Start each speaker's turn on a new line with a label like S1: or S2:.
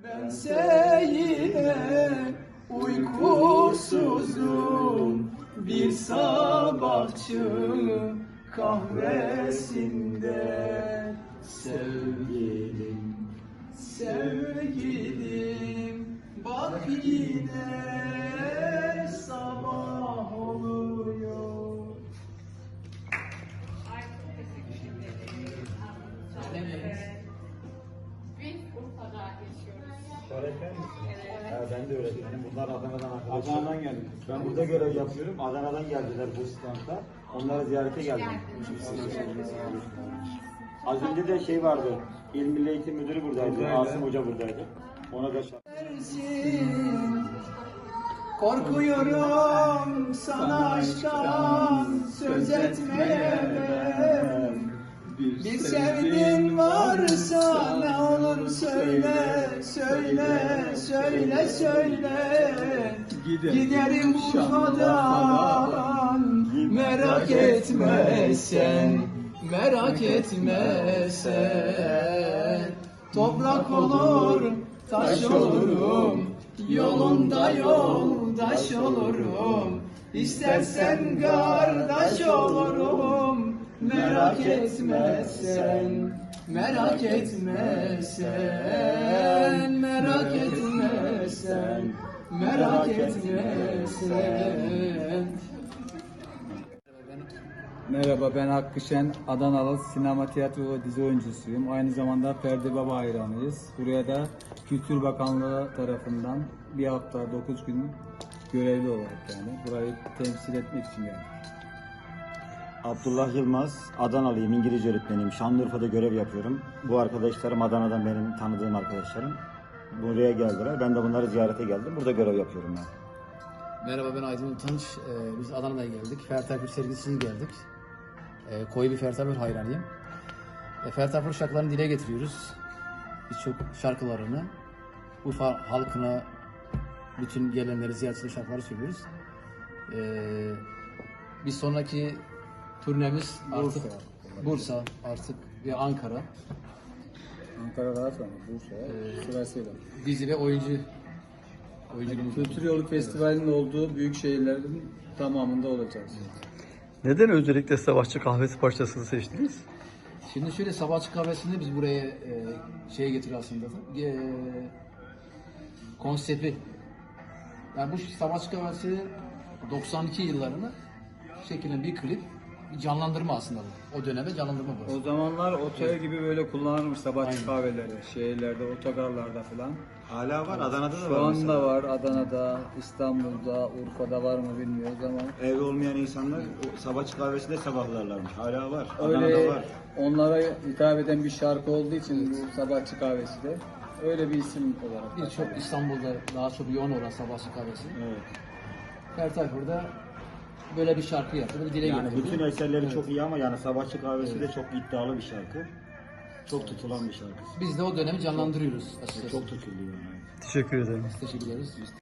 S1: Bense yine uykusuzum bir sabahçı kahvesinde. Sevgilim, sevgilim, bak yine sabah oluyor.
S2: Ay, çok teşekkür ederim. Biz Urfa'da yaşıyoruz.
S3: Öğretmen misin?
S2: Evet.
S3: Ha, ben de öğretmenim. Bunlar Adana'dan arkadaşlar. Adana'dan geldik. Ben burada görev yapıyorum. Adana'dan geldiler bu standa. Onları ziyarete geldim. Az önce de şey vardı. İl Milli Eğitim Müdürü buradaydı. Asım Hoca buradaydı. Ona da
S1: Dersin, korkuyorum sana aşktan söz etmeye. Bir sevdiğin varsa ne olur söyle, söyle, söyle, söyle. Giderim Urfa'dan, merak etme sen, merak etme sen. Toprak olur, taş olurum, yolunda yoldaş olurum. İstersen kardeş olurum, merak etme sen, merak etme sen, merak etme sen, merak etme sen.
S4: Merhaba, ben Hakkı Şen, Adanalı sinema, tiyatro ve dizi oyuncusuyum. Aynı zamanda Ferdi Baba hayranıyız. Buraya da Kültür Bakanlığı tarafından bir hafta 9 gün görevli olarak yani burayı temsil etmek için geldim.
S3: Abdullah Yılmaz, Adanalıyım, İngilizce öğretmeniyim. Şanlıurfa'da görev yapıyorum. Bu arkadaşlarım Adana'dan benim tanıdığım arkadaşlarım. Buraya geldiler. Ben de bunları ziyarete geldim. Burada görev yapıyorum ben.
S5: Merhaba, ben Aydın Utanç. Biz Adana'dan geldik. Ferdi Tayfur sergisine geldik. Koyu bir Ferdi Tayfur hayranıyım. Ferdi Tayfur şarkılarını dile getiriyoruz. Birçok şarkılarını Urfa halkına, bütün gelenleri, ziyaretçileri şarkıları söylüyoruz. Bir sonraki turnemiz artık Bursa artık ve Ankara.
S4: Ankara daha sonra Bursa'ya sırasıyla.
S5: Dizi ve oyunculuk.
S4: Kültür Yolu Festivali'nin olduğu büyük şehirlerin tamamında olacağız.
S6: Neden özellikle Sabahçı Kahvesi parçasını seçtiniz?
S5: Şimdi şöyle, Sabahçı Kahvesi'nde biz buraya şeye getiriyor aslında. Konsepti. Yani bu Sabahçı Kahvesi 92 yıllarını şekillen bir klip, bir canlandırma aslında bu. O döneme canlandırma bu.
S4: O zamanlar otel gibi böyle kullanılmış sabahçı kahveleri, şehirlerde, otogarlarda falan.
S3: Hala var. Adana'da da
S4: Şu
S3: var
S4: anda
S3: mesela.
S4: var, Adana'da, İstanbul'da, Urfa'da var mı bilmiyoruz ama
S3: Evli olmayan insanlar o sabahçı kahvesinde sabahlarlarmış. Hala var.
S4: öyle
S3: Adana'da var.
S4: onlara hitap eden bir şarkı olduğu için bu sabahçı kahvesi de öyle bir isim olarak.
S5: Birçok İstanbul'da daha çok yoğun olan Sabahçı Kahvesi.
S3: Evet.
S5: Ferdi Tayfur'da böyle bir şarkı yaptı, bir dile
S3: Yani
S5: getirdi.
S3: bütün eserleri
S5: Evet.
S3: çok iyi ama yani sabahçı kahvesi de çok iddialı bir şarkı. Çok tutulan bir şarkı.
S5: Biz de o dönemi canlandırıyoruz açıkçası.
S3: Çok tutuluyor yani.
S6: Teşekkür ederim.
S5: Teşekkür ederiz.